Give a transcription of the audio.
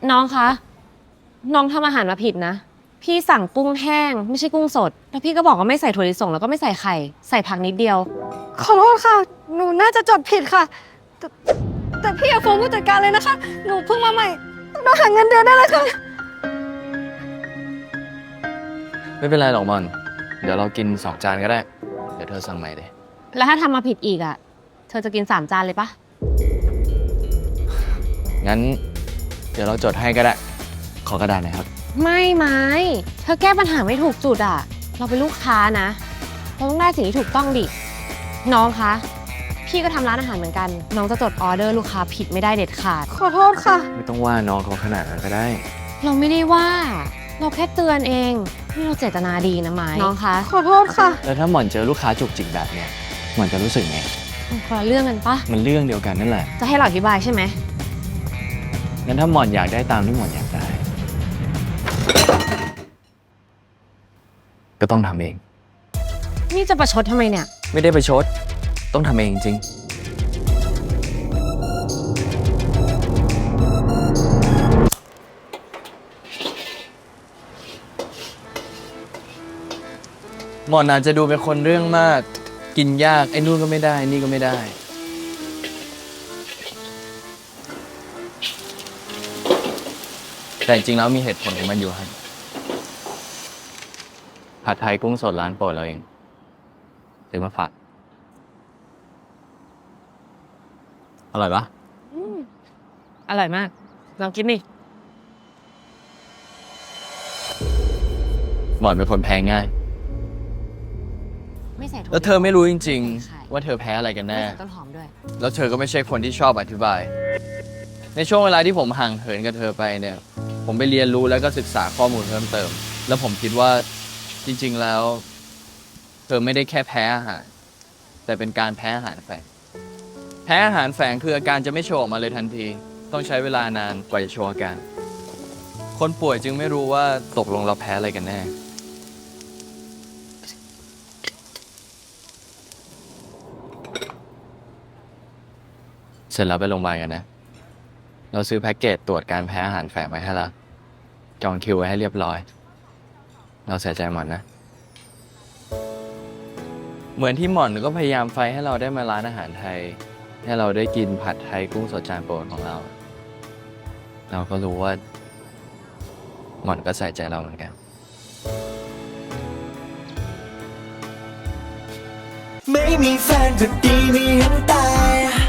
น้องคะ น้องทำอาหารมาผิดนะ พี่สั่งกุ้งแห้งไม่ใช่กุ้งสด แล้วพี่ก็บอกว่าไม่ใส่ถั่วลิสงแล้วก็ไม่ใส่ไข่ ใส่ผักนิดเดียวขอโทษค่ะ หนูน่าจะจดผิดค่ะ แต่พี่อย่าฟ้องผู้จัดการเลยนะคะ หนูเพิ่งมาใหม่ต้องหาเงินเดือนได้เลยค่ะไม่เป็นไรหรอกมอน เดี๋ยวเรากิน2 จานก็ได้ เดี๋ยวเธอสั่งใหม่เลยแล้วถ้าทำมาผิดอีกอะเธอจะกิน3 จานเลยปะงั้น เดี๋ยวเราจดให้ก็ได้ ขอกระดาษหน่อยครับไม่เธอแก้ปัญหาไม่ถูกจุดอะเราเป็นลูกค้านะ เราต้องได้สิ่งที่ถูกต้องดิ น้องคะ พี่ก็ทำร้านอาหารเหมือนกัน น้องจะจดออเดอร์ลูกค้าผิดไม่ได้เด็ดขาดขอโทษค่ะไม่ต้องว่าน้องเขาขนาดนั้นก็ได้เราไม่ได้ว่า เราแค่เตือนเองนี่เราเจตนาดีนะไม้น้องคะขอโทษค่ะแล้วถ้าหมอนเจอลูกค้าจุกจิกแบบเนี้ยหมอนจะรู้สึกไงคนละเรื่องกันปะมันเรื่องเดียวกันนั่นแหละจะให้เราอธิบายใช่ไหมงั้นถ้าหมอนอยากได้ตามที่หมอนอยากได้ ก็ต้องทำเองนี่จะประชดทำไมเนี่ยไม่ได้ไปชด ต้องทำเองจริง หมอนอาจจะดูเป็นคนเรื่องมาก กินยาก ไอ้นู่นก็ไม่ได้ นี่ก็ไม่ได้ แต่จริงแล้วมีเหตุผลของมันอยู่ครับผัดไทยกุ้งสดร้านโปรดเราเองซื้อมาฝากอร่อยปะอร่อยมาก ลองกินดิหมอนเป็นคนแพ้ง่ายไม่ใส่ถั่วแล้วเธอไม่รู้จริงๆ ว่าเธอแพ้อะไรกันไม่แน่ใส่ต้นหอมด้วยแล้วเธอก็ไม่ใช่คนที่ชอบอธิบาย ในช่วงเวลาที่ผมห่างเหินกับเธอไปเนี่ย ผมไปเรียนรู้แล้วก็ศึกษาข้อมูลเพิ่มเติม แล้วผมคิดว่าจริงๆแล้ว เธอไม่ได้แค่แพ้อาหาร แต่เป็นการแพ้อาหารแฝง แพ้อาหารแฝงคืออาการจะไม่โชว์ออกมาเลยทันที ต้องใช้เวลานานกว่าจะโชว์อาการ คนป่วยจึงไม่รู้ว่าตกลงเราแพ้อะไรกันแน่ เสร็จแล้วไปโรงพยาบาลกันนะ เราซื้อแพ็กเกจตรวจการแพ้อาหารแฝงไว้ให้แล้วจองคิวไว้ให้เรียบร้อย เราเสียใจหมอนนะ เหมือนที่หมอนก็พยายามไฟให้เราได้มาร้านอาหารไทย ให้เราได้กินผัดไทยกุ้งสดจานโปรดของเรา เราก็รู้ว่า หมอนก็ใส่ใจเราเหมือนกันไม่มีแฟนก็ดีไม่เห็นตาย